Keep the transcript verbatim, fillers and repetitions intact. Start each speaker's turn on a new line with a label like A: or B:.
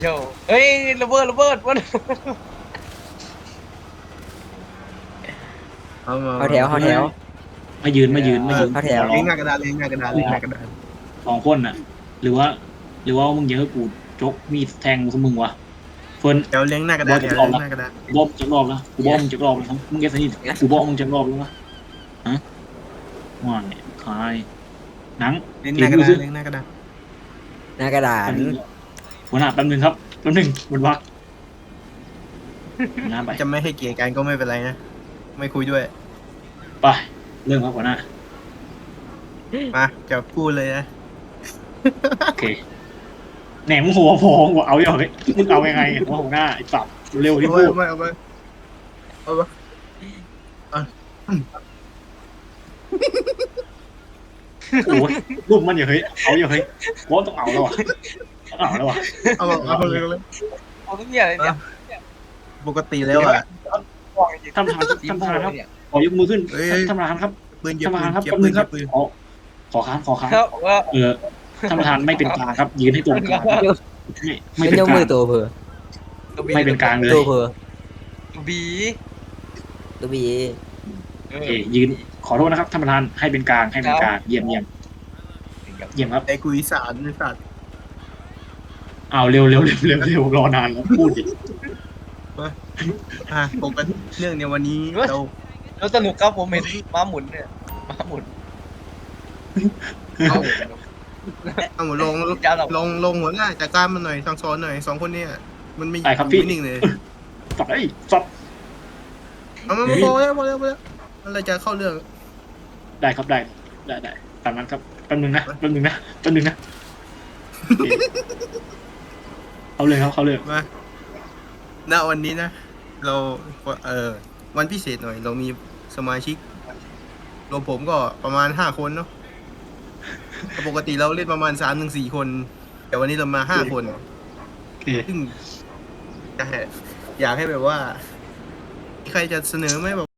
A: โย่เฮ้ยระเบิดระเบิดวัน
B: เอามา
C: เอาแถวเอาแถว
D: มายืนมายืนมายืน
C: เอาแถว
D: ขอร้อ
B: เลี้ย
D: ง
B: งหน้ากระดานเลี้ยงหน้ากระดานเลี้ยงหน้ากระดาน
D: สองคนน่ะ หรือว่า หรือว่ามึงเยอะกูจกมีดแทงมึงวะเฟิร์น
B: เดี๋ยวเลี้ยงหน้ากระดานเดี๋ยวเลี้ยงหน้ากระดาน
D: กูบอกมึงจะรอบแล้วกูบอกมึงจะรอบแล้วครับมึงแกสนิทกูบอกมึงจะรอบแล้ววะฮะว่าเนี่ยคลายหนัง
B: เลี้ยงหน้ากระดานเลี้ยงหน้ากระดาน
C: หน้ากระดาษ
D: หัวหน้าแป๊บนึงครับแป๊บนึงมันวักหน้าไป
B: จะไม่ให้เกียรติกันก็ไม่เป็นไรนะไม่คุยด้วย
D: ไปเรื่องครับหัวหน้า
B: มาจะพูดเลยนะ
D: โอเคแหนมหัวพองว่าเอาอย่างเฮ้ยมึงเอายังไงว่าหัวหน้าไอ้สับเร็วที่
B: เอา
D: พู
B: ไป
D: ด
B: เอาไปเอาไปเอาไป
D: โอ้ยรูปมันอย่าเฮ้ยเอาอย่าเฮ้ยว่าต้องเอาแล้วอ่ะต้องเอาแล้วอ่ะ
B: เอาไปเอาไปเลยเลย
A: เอาทุกอย่างเลยเนี่ย
B: ปกติแล้วอ่ะ
D: ท่านประธานท่านประธานครับขอยกมือขึ้น
B: เฮ้ย
D: ท่านประธานครับ
B: ปืนเก็บ
D: ท่านประ
B: ปื
D: ธาน
B: น
D: ครับ
B: เก็บ
D: แป๊บ
B: ปื
D: นึ
B: น
D: งค
B: เก็
D: รับบ
B: ปืน
D: ขอขอค้านขอค้าน
A: ครับว่า
D: เออท่านประธานไม่เป็นกลางครับ ยืนให้ตรงกลางครับไม่ไม่
C: เป็น
D: เป็น
C: ยก
D: ก
C: มื
D: ลา
C: อง ตัวเพอ
D: ไม่เป็นกลางเลย
C: ตัวเพอ
A: บี
C: ตัวบี
A: เอ
D: โอ
A: อ
D: เคยืนขอโทษนะครับท่านประธานให้เป็นกลางให้เป็นกลางเยี่ยมเยี่ยมเยี่ยมครับ
B: ไอ้กุยสารไอ้สัตว์
D: เอาเร็วเร็วเร็วเร็วเร็วรอนานแล้วพูดดิ
B: อ่ะปกติเรื่องในวันนี้เรา
A: แล้วสนุกครับผมเห็นม้าหมุนเนี่ยม้าหมุน
B: เอาหมดลง
A: ยาวหรอ
B: ลงลงหัวหน้าจัดการมันหน่อยสั่งสอนหน่อยสองคนเนี้มันไม่
D: ได้ครับพี่
B: ไม่นิ่งเลย
D: สับไอ้สับ
B: เอามาพอแล้วพอแล้วพอแล้วมันเลยจะเข้าเรื่อง
D: ได้ครับได้ได้ได้ตามนั้นครับแป๊บนึงนะแป๊บนึงนะแป๊บนึงนะโอเคเอาเลยครับเขาเลย
B: มาณวันนี้นะ เราเออวันพิเศษหน่อย เรามีสมาชิกรวมผมก็ประมาณห้าคนเนาะปกติเราเล่นประมาณสามถึงสี่คน แต่วันนี้เรามาห้าคน
D: โอเค
B: ซึ่งจะให้อยากให้แบบว่า ใครจะเสนอไหมแบบ